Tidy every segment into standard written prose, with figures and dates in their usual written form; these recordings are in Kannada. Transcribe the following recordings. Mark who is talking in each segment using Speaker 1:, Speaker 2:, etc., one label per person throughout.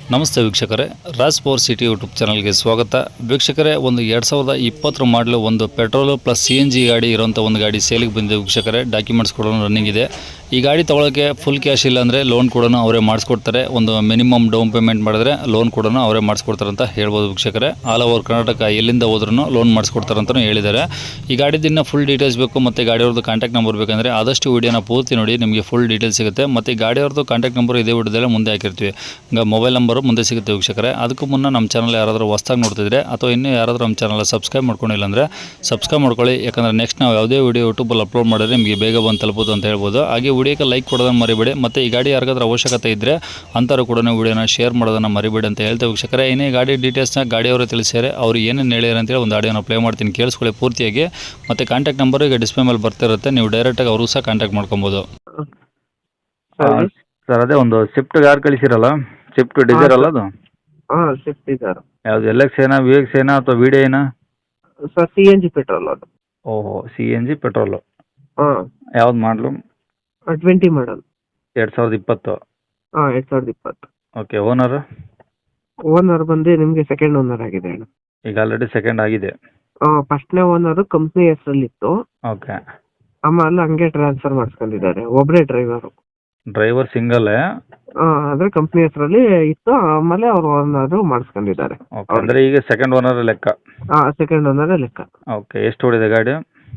Speaker 1: ನಮಸ್ತೆ ವೀಕ್ಷಕರೇ, ರಾಜ್ ಪವರ್ ಸಿಟಿ ಯೂಟ್ಯೂಬ್ ಚಾನಲ್ಗೆ ಸ್ವಾಗತ. ವೀಕ್ಷಕರೇ, ಒಂದು 2020 ಮಾಡಲು ಒಂದು ಪೆಟ್ರೋಲು ಪ್ಲಸ್ CNG ಗಾಡಿ ಇರೋಂಥ ಒಂದು ಗಾಡಿ ಸೇಲಿಗೆ ಬಂದಿದೆ ವೀಕ್ಷಕರೇ. ಡಾಕ್ಯುಮೆಂಟ್ಸ್ ಕೂಡ ರನ್ನಿಂಗ್ ಇದೆ. ಈ ಗಾಡಿ ತೊಗೊಳಕ್ಕೆ ಫುಲ್ ಕ್ಯಾಶ್ ಇಲ್ಲ ಅಂದರೆ ಲೋನ್ ಕೂಡ ಅವರೇ ಮಾಡಿಸ್ಕೊಡ್ತಾರೆ. ಒಂದು ಮಿನಿಮಮ್ ಡೌನ್ ಪೇಮೆಂಟ್ ಮಾಡಿದ್ರೆ ಲೋನ್ ಕೂಡ ಅವರೇ ಮಾಡಿಸ್ಕೊಡ್ತಾರೆ ಅಂತ ಹೇಳ್ಬೋದು ವೀಕ್ಷಕರೇ. ಆಲ್ ಓವರ್ ಕರ್ನಾಟಕ ಎಲ್ಲಿಂದ ಹೋದ್ರೂ ಲೋನ್ ಮಾಡಿಸ್ಕೊಡ್ತಾರೆ ಅಂತಲೂ ಹೇಳಿದ್ದಾರೆ. ಈ ಗಾಡಿದಿನ್ನ ಫುಲ್ ಡೀಟೇಲ್ಸ್ ಬೇಕು ಮತ್ತು ಗಾಡಿಯವ್ರದ್ದು ಕಾಂಟ್ಯಾಕ್ಟ್ ನಂಬರ್ ಬೇಕಂದರೆ ಆದಷ್ಟು ವೀಡಿಯೋನ ಪೂರ್ತಿ ನೋಡಿ, ನಿಮಗೆ ಫುಲ್ ಡೀಟೇಲ್ಸ್ ಸಿಗುತ್ತೆ. ಮತ್ತು ಗಾಡಿಯವ್ರದ್ದು ಕಾಂಟ್ಯಾಕ್ಟ್ ನಂಬರ್ ಇದೇ ವಿಡಿಯೋದಲ್ಲೇ ಮುಂದೆ ಹಾಕಿರ್ತೀವಿ. ಈಗ ಮೊಬೈಲ್ ನಂಬರು ಮುಂದೆ ಸಿಗುತ್ತೆ ವೀಕ್ಷಕರೇ. ಅದಕ್ಕೂ ಮುನ್ನ ನಮ್ಮ ಚಾನಲ್ ಯಾರಾದರೂ ಹೊಸದಾಗಿ ನೋಡ್ತಿದ್ರೆ ಅಥವಾ ಇನ್ನೂ ಯಾರಾದರೂ ನಮ್ಮ ಚಾನಲ್ ಸಬ್ಸ್ಕ್ರೈಬ್ ಮಾಡ್ಕೊಂಡಿಲ್ಲ ಅಂದರೆ ಸಬ್ಸ್ಕ್ರೈಬ್ ಮಾಡ್ಕೊಳ್ಳಿ. ಯಾಕಂದರೆ ನೆಕ್ಸ್ಟ್ ನಾವು ಯಾವುದೇ ವೀಡಿಯೋ ಯೂಟ್ಯೂಬಲ್ಲಿ ಅಪ್ಲೋಡ್ ಮಾಡಿದ್ರೆ ನಿಮಗೆ ಬೇಗ ಬಂದು ತಲುಪೋದು ಅಂತ ಹೇಳ್ಬೋದು. ಹಾಗೆ ವಿಡಿಯೋಕ್ಕೆ ಲೈಕ್ ಕೊಡೋದನ್ನು ಮರಿಬೇಡಿ. ಮತ್ತು ಈ ಗಾಡಿ ಯಾರಿಗಾದ್ರೂ ಅವಶ್ಯಕತೆ ಇದ್ದರೆ ಅಂಥವ್ರು ಕೂಡ ವೀಡಿಯೋನ ಶೇರ್ ಮಾಡೋದನ್ನು ಮರಿಬೇಡಿ ಅಂತ ಹೇಳ್ತೇವೆ ವೀಕ್ಷಕರೇ. ಇನ್ನೇ ಗಾಡಿ ಡೀಟೇಲ್ಸ್ನ ಗಾಡಿಯವರು ತಿಳಿಸ್ಯಾರೆ, ಅವ್ರು ಏನೇನು ಹೇಳ್ಯಾರ ಅಂತೇಳಿ ಒಂದು ಆಡಿಯೋನ ಪ್ಲೇ ಮಾಡ್ತೀನಿ, ಕೇಳಿಸ್ಕೊಳ್ಳಿ ಪೂರ್ತಿಯಾಗಿ. ಮತ್ತು ಕಾಂಟ್ಯಾಕ್ಟ್ ನಂಬರ್ ಈಗ ಡಿಸ್ಪ್ಲೇ ಮೇಲೆ ಬರ್ತಿರುತ್ತೆ, ನೀವು ಡೈರೆಕ್ಟಾಗಿ ಅವರು ಸಹ ಕಾಂಟ್ಯಾಕ್ಟ್ ಮಾಡ್ಕೊಬೋದು.
Speaker 2: ಸರ್ ಅದೇ ಒಂದು ಸ್ವಿಫ್ಟ್ ಕಾರ್ ಕಳಿಸಿರಲ್ಲ, ಸ್ವಿಫ್ಟ್ ಡಿಸೈರ್ ಅಲ್ಲ ಅದು?
Speaker 3: ಹಾಂ, ಸ್ವಿಫ್ಟ್ ಡಿಸೈರ್.
Speaker 2: ಯಾವುದು LX ಏನಾ, VX ಏನಾ ಅಥವಾ ವಿಡಿಯೋ ಏನಾ?
Speaker 3: ಸರ್ CNG ಪೆಟ್ರೋಲ್ ಅದು.
Speaker 2: ಓಹೋ, CNG ಪೆಟ್ರೋಲು.
Speaker 3: ಹಾಂ,
Speaker 2: ಯಾವ್ದು ಮಾಡಲು?
Speaker 3: 20 ಮಾಡಲ್.
Speaker 2: 2020.
Speaker 3: ಹಾಂ, 2020.
Speaker 2: ಓಕೆ. ಓನರ್?
Speaker 3: ಓನರ್ ಬಂದು ನಿಮಗೆ ಸೆಕೆಂಡ್ ಓನರ್ ಆಗಿದೆ ಅಣ್ಣ.
Speaker 2: ಈಗ ಆಲ್ರೆಡಿ ಸೆಕೆಂಡ್ ಆಗಿದೆ.
Speaker 3: ಫಸ್ಟ್ನೇ ಓನರು ಕಂಪ್ನಿ ಹೆಸರಲ್ಲಿತ್ತು,
Speaker 2: ಓಕೆ.
Speaker 3: ಆಮೇಲೆ ಹಂಗೆ ಟ್ರಾನ್ಸ್ಫರ್ ಮಾಡಿಸ್ಕೊಂಡಿದ್ದಾರೆ. ಒಬ್ಬರೇ ಡ್ರೈವರು.
Speaker 2: ಡ್ರೈವರ್ ಸಿಂಗಲ್ಲೇ?
Speaker 3: ಅಂದರೆ ಕಂಪ್ನಿ ಹೆಸರಲ್ಲಿ ಇತ್ತು, ಆಮೇಲೆ ಅವ್ರು ಓನರು ಮಾಡಿಸ್ಕೊಂಡಿದ್ದಾರೆ.
Speaker 2: ಓಕೆ, ಅಂದರೆ ಈಗ ಸೆಕೆಂಡ್ ಓನರ್ ಲೆಕ್ಕ?
Speaker 3: ಹಾಂ, ಸೆಕೆಂಡ್ ಓನರೇ ಲೆಕ್ಕ.
Speaker 2: ಓಕೆ. ಎಷ್ಟು ಓಡಿದೆ ಗಾಡಿ?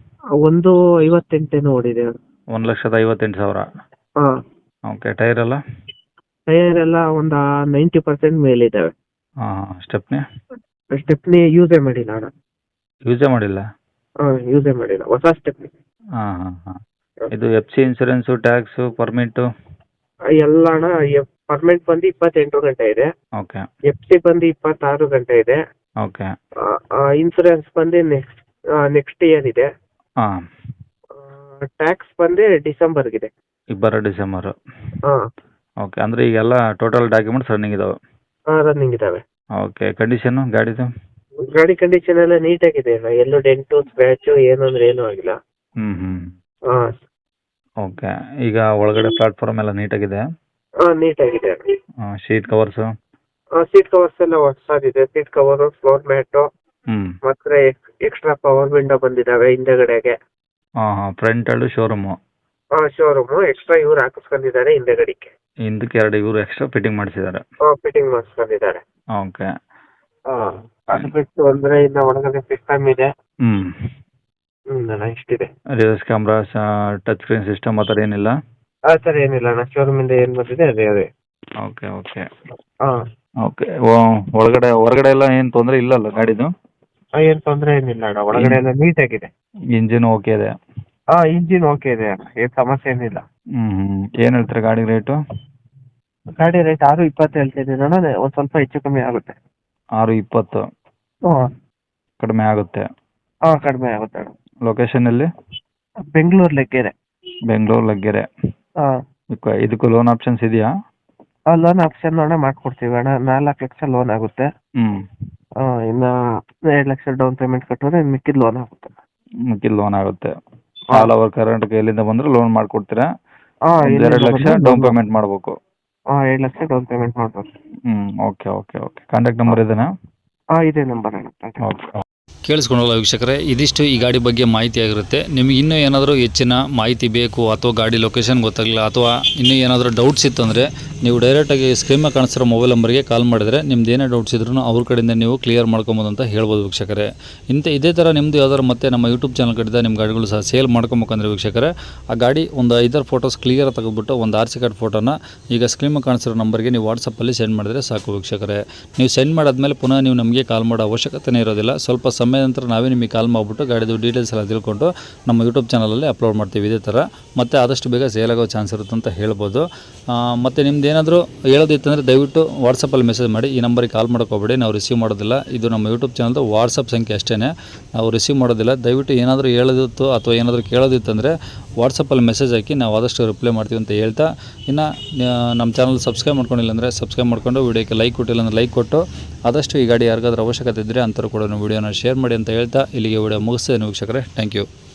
Speaker 3: 158 ಓಡಿದೆ.
Speaker 2: 1,58,000.
Speaker 3: ಹಾಂ.
Speaker 2: ಓಕೆ. ಟೈರ್ ಎಲ್ಲ?
Speaker 3: ಟೈರ್ ಎಲ್ಲ ಒಂದು 90% ಮೇಲಿದ್ದಾವೆ.
Speaker 2: ಹಾಂ. ಸ್ಟೆಪ್ನಿ?
Speaker 3: ಸ್ಟೆಪ್ನಿ ಯೂಸೇ ಮಾಡಿಲ್ಲ ಅಣ್ಣ.
Speaker 2: ಯೂಸೇ ಮಾಡಿಲ್ಲ?
Speaker 3: ಯೂಸೇ ಮಾಡಿಲ್ಲ, ಹೊಸ ಸ್ಟೆಪ್ನಿ.
Speaker 2: ಹಾಂ ಹಾಂ ಹಾಂ. ಇದು FC ಇನ್ಸೂರೆನ್ಸು, ಟ್ಯಾಕ್ಸು, ಪರ್ಮಿಟು?
Speaker 3: ಎಲ್ಲ ಅಣ್ಣ. ಪರ್ಮನೆಂಟ್ ಬಂದು 28 ಗಂಟೆ ಇದೆ.
Speaker 2: ಓಕೆ.
Speaker 3: FC ಬಂದು 26 ಗಂಟೆ ಇದೆ.
Speaker 2: ಓಕೆ.
Speaker 3: ಇನ್ಸೂರೆನ್ಸ್ ಬಂದು ನೆಕ್ಸ್ಟ್ ಇಯರ್ ಇದೆ.
Speaker 2: ಹಾಂ.
Speaker 3: ಟ್ಯಾಕ್ಸ್ ಬಂದು ಡಿಸೆಂಬರ್ಗಿದೆ.
Speaker 2: 2 ಡಿಸೆಂಬರು.
Speaker 3: ಹಾಂ.
Speaker 2: ಓಕೆ. ಅಂದರೆ ಈಗೆಲ್ಲ ಟೋಟಲ್ ಡಾಕ್ಯುಮೆಂಟ್ಸ್ ರನ್ನಿಂಗ್ ಇದಾವೆ?
Speaker 3: ರನ್ನಿಂಗ್ ಇದಾವೆ.
Speaker 2: ಓಕೆ. ಕಂಡೀಷನು ಗಾಡಿದು?
Speaker 3: ಗಾಡಿ ಕಂಡೀಷನ್ ಎಲ್ಲ ನೀಟಾಗಿದೆ ಅಣ್ಣ. ಎಲ್ಲೂ ಡೆಂಟು ಸ್ಕ್ರ್ಯಾಚು ಏನು ಅಂದ್ರೆ ಏನೂ ಆಗಿಲ್ಲ.
Speaker 2: ಹ್ಞೂ ಹ್ಞೂ.
Speaker 3: ಹಾಂ.
Speaker 2: ಓಕೆ. ಈಗ ಒಳಗಡೆ ಪ್ಲಾಟ್ಫಾರ್ಮ್ ಎಲ್ಲ ನೀಟಾಗಿದೆ?
Speaker 3: ನೀಟಾಗಿದೆ ಅಣ್ಣ.
Speaker 2: Sheet covers?
Speaker 3: ಸೀಟ್ ಕವರ್ಸ್ ಎಲ್ಲ ಹೊಸದಿದೆ. ಸೀಟ್ ಕವರು, ಫ್ಲೋರ್ ಮ್ಯಾಟು,
Speaker 2: ಹ್ಞೂ.
Speaker 3: ಮತ್ತೆ ಎಕ್ಸ್ಟ್ರಾ ಪವರ್ ವಿಂಡೋ ಬಂದಿದ್ದಾವೆ ಹಿಂದೆಗಡೆಗೆ.
Speaker 2: ಹಾಂ ಹಾಂ. ಫ್ರಂಟಲ್ಲು ಶೋರೂಮು?
Speaker 3: ಶೋರೂಮು ಎಕ್ಸ್ಟ್ರಾ ಇವ್ರು ಹಾಕಿಸ್ಕೊಂಡಿದ್ದಾರೆ ಹಿಂದೆಗಡೆಗೆ.
Speaker 2: ಹಿಂದಕ್ಕೆ 2 ಇವರು ಎಕ್ಸ್ಟ್ರಾ ಫಿಟ್ಟಿಂಗ್ ಮಾಡಿಸಿದ್ದಾರೆ?
Speaker 3: ಫಿಟ್ಟಿಂಗ್ ಮಾಡಿಸ್ಕೊಂಡಿದ್ದಾರೆ.
Speaker 2: ಓಕೆ.
Speaker 3: ಅದು ಬಿಟ್ಟು ಅಂದ್ರೆ ಇನ್ನು ಒಳಗಡೆ ಸಿಸ್ಟಮ್ ಇದೆ. ಅಣ್ಣ ಇಷ್ಟಿದೆ.
Speaker 2: Reverse camera, touch screen system ಆ ಥರ ಏನಿಲ್ಲ?
Speaker 3: ಆ ಥರ ಏನಿಲ್ಲ ಅಣ್ಣ. ಶೋರೂಮಿಂದ ಏನು ಬಂದಿದೆ ಅದೇ.
Speaker 2: Okay okay.
Speaker 3: ಹಾಂ.
Speaker 2: ಓಕೆ. ಹೊರಗಡೆ ಎಲ್ಲ ಏನು ತೊಂದರೆ ಇಲ್ಲಲ್ಲ ಗಾಡಿದು?
Speaker 3: ಏನು ತೊಂದರೆ ಏನಿಲ್ಲ ಅಣ್ಣ. ಒಳಗಡೆ ಎಲ್ಲ ನೀಟಾಗಿದೆ.
Speaker 2: ಇಂಜಿನ್ ಓಕೆ ಇದೆ?
Speaker 3: ಇಂಜಿನ್ ಓಕೆ ಇದೆ ಅಣ್ಣ, ಏನು ಸಮಸ್ಯೆ ಏನಿಲ್ಲ.
Speaker 2: ಏನು ಹೇಳ್ತಾರೆ ಗಾಡಿ ರೇಟು?
Speaker 3: ಗಾಡಿ ರೇಟ್ 620 ಹೇಳ್ತಿದ್ದೀನಿ ಅಣ್ಣ. ಒಂದು ಸ್ವಲ್ಪ ಹೆಚ್ಚು ಕಮ್ಮಿ ಆಗುತ್ತೆ.
Speaker 2: 620?
Speaker 3: ಹಾಂ.
Speaker 2: ಕಡಿಮೆ ಆಗುತ್ತೆ?
Speaker 3: ಕಡಿಮೆ ಆಗುತ್ತೆ ಅಣ್ಣ.
Speaker 2: ಲೊಕೇಶನ್ ಎಲ್ಲಿ?
Speaker 3: ಬೆಂಗಳೂರು ಲಗ್ಗೆರೆ.
Speaker 2: ಬೆಂಗಳೂರು ಲಗ್ಗೆರೆ.
Speaker 3: ಹಾಂ.
Speaker 2: ಇದಕ್ಕೂ ಲೋನ್ ಆಪ್ಷನ್ಸ್ ಇದೆಯಾ?
Speaker 3: ಲೋನ್ ಆಪ್ಷನ್ ಅಣ್ಣ ಮಾಡ್ಕೊಡ್ತೀವಿ ಅಣ್ಣ. 4 ಲಕ್ಷ ಲೋನ್ ಆಗುತ್ತೆ. ಇನ್ನು 2 ಲಕ್ಷ ಡೌನ್ ಪೇಮೆಂಟ್ ಕಟ್ಟಿದ್ರೆ ಮಿಕ್ಕಿದ ಲೋನ್ ಆಗುತ್ತೆ.
Speaker 2: ಮಿಕ್ಕಿದ ಲೋನ್ ಆಗುತ್ತೆ. ಆಲ್ ಓವರ್ ಕರ್ನಾಟಕ ಎಲ್ಲಿಂದ ಬಂದರೂ ಲೋನ್ ಮಾಡಿಕೊಡ್ತೀರಾ? 2 ಲಕ್ಷ ಡೌನ್ ಪೇಮೆಂಟ್ ಮಾಡಬೇಕು?
Speaker 3: 2 ಲಕ್ಷ ಡೌನ್ ಪೇಮೆಂಟ್ ಮಾಡ್ಬೇಕು.
Speaker 2: Okay okay okay. Contact number ಇದೆನಾ?
Speaker 3: ಇದೇ ನಂಬರ್ ಅಣ್ಣ.
Speaker 2: ಓಕೆ.
Speaker 1: ಕೇಳಿಸ್ಕೊಂಡಲ್ಲ ವೀಕ್ಷಕರೇ, ಇದಿಷ್ಟು ಈ ಗಾಡಿ ಬಗ್ಗೆ ಮಾಹಿತಿ ಆಗಿರುತ್ತೆ. ನಿಮಗೆ ಇನ್ನೂ ಏನಾದರೂ ಹೆಚ್ಚಿನ ಮಾಹಿತಿ ಬೇಕು ಅಥವಾ ಗಾಡಿ ಲೊಕೇಶನ್ ಗೊತ್ತಾಗಲಿಲ್ಲ ಅಥವಾ ಇನ್ನೂ ಏನಾದರೂ ಡೌಟ್ಸ್ ಇತ್ತಂದರೆ ನೀವು ಡೈರೆಕ್ಟಾಗಿ ಸ್ಕ್ರೀನ್ ಮೇಲೆ ಕಾಣಿಸ್ತಿರೋ ಮೊಬೈಲ್ ನಂಬರ್ಗೆ ಕಾಲ್ ಮಾಡಿದರೆ ನಿಮ್ದು ಏನೇ ಡೌಟ್ಸ್ ಇದ್ರೂ ಅವ್ರ ಕಡೆಯಿಂದ ನೀವು ಕ್ಲಿಯರ್ ಮಾಡ್ಕೊಬೋದು ಅಂತ ಹೇಳ್ಬೋದು ವೀಕ್ಷಕರೇ. ಇದೇ ಥರ ನಿಮ್ಮದು ಯಾವ್ದಾದ್ರು ಮತ್ತೆ ನಮ್ಮ ಯೂಟ್ಯೂಬ್ ಚಾನಲ್ ಕಡೆಯಿಂದ ನಿಮ್ಮ ಗಾಡಿಗಳು ಸಹ ಸೇಲ್ ಮಾಡ್ಕೊಬೇಕಂದ್ರೆ ವೀಕ್ಷಕರೇ, ಆ ಗಾಡಿ ಒಂದು 5 ಫೋಟೋಸ್ ಕ್ಲಿಯರ್ ತೆಗೆದುಬಿಟ್ಟು ಒಂದು RC ಕಾರ್ಡ್ ಫೋಟೋನ ಈಗ ಸ್ಕ್ರೀನ್ ಮೇಲೆ ಕಾಣಿಸ್ತಿರೋ ನಂಬರ್ಗೆ ನೀವು ವಾಟ್ಸಪ್ಪಲ್ಲಿ ಸೆಂಡ್ ಮಾಡಿದರೆ ಸಾಕು ವೀಕ್ಷಕರೇ. ನೀವು ಸೆಂಡ್ ಮಾಡಾದ್ಮೇಲೆ ಪುನಃ ನೀವು ನಮಗೆ ಕಾಲ್ ಮಾಡೋ ಅವಶ್ಯಕತೆನೇ ಇರೋದಿಲ್ಲ. ಸ್ವಲ್ಪ ಸಮಯ ನಂತರ ನಾವೇ ನಿಮಗೆ ಕಾಲ್ ಮಾಡಿಬಿಟ್ಟು ಗಾಡಿದು ಡೀಟೇಲ್ಸ್ ಎಲ್ಲ ತಿಳ್ಕೊಂಡು ನಮ್ಮ ಯೂಟ್ಯೂಬ್ ಚಾನಲಲ್ಲಿ ಅಪ್ಲೋಡ್ ಮಾಡ್ತೀವಿ ಇದೇ ಥರ. ಮತ್ತು ಆದಷ್ಟು ಬೇಗ ಸೇಲ್ ಆಗೋ ಚಾನ್ಸ್ ಇರುತ್ತೆ ಅಂತ ಹೇಳ್ಬೋದು. ಮತ್ತು ನಿಮ್ದು ಏನಾದರೂ ಹೇಳೋದಿತ್ತಂದರೆ ದಯವಿಟ್ಟು ವಾಟ್ಸಪ್ಪಲ್ಲಿ ಮೆಸೇಜ್ ಮಾಡಿ. ಈ ನಂಬರಿಗೆ ಕಾಲ್ ಮಾಡೋಕೆ ಹೋಗಬೇಡಿ, ನಾವು ರಿಸೀವ್ ಮಾಡೋದಿಲ್ಲ. ಇದು ನಮ್ಮ ಯೂಟ್ಯೂಬ್ ಚಾನಲ್ದು ವಾಟ್ಸಪ್ ಸಂಖ್ಯೆ ಅಷ್ಟೇ, ನಾವು ರಿಸೀವ್ ಮಾಡೋದಿಲ್ಲ. ದಯವಿಟ್ಟು ಏನಾದರೂ ಹೇಳೋದಿತ್ತು ಅಥವಾ ಏನಾದರೂ ಕೇಳೋದಿತ್ತಂದರೆ ವಾಟ್ಸಪ್ಪಲ್ಲಿ ಮೆಸೇಜ್ ಹಾಕಿ, ನಾವು ಆದಷ್ಟು ರಿಪ್ಲೈ ಮಾಡ್ತೀವಿ ಅಂತ ಹೇಳ್ತಾ, ಇನ್ನು ನಮ್ಮ ಚಾನಲ್ ಸಬ್ಸ್ಕ್ರೈಬ್ ಮಾಡ್ಕೊಂಡಿಲ್ಲ ಅಂದರೆ ಸಬ್ಸ್ಕ್ರೈಬ್ ಮಾಡ್ಕೊಂಡು, ವಿಡಿಯೋಕ್ಕೆ ಲೈಕ್ ಕೊಟ್ಟಿಲ್ಲ ಅಂದರೆ ಲೈಕ್ ಕೊಟ್ಟು ಆದಷ್ಟು ಈ ಗಾಡಿ ಯಾರಿಗಾದ್ರೂ ಅವಶ್ಯಕತೆ ಇದ್ದರೆ ಅಂಥವ್ರು ಕೂಡ ವಿಡಿಯೋನ ಶೇರ್ ಮಾಡಿ ಅಂತ ಹೇಳ್ತಾ ಇಲ್ಲಿಗೆ ವಿಡಿಯೋ ಮುಗಿಸ್ತೇನೆ ವೀಕ್ಷಕರೇ. Thank you.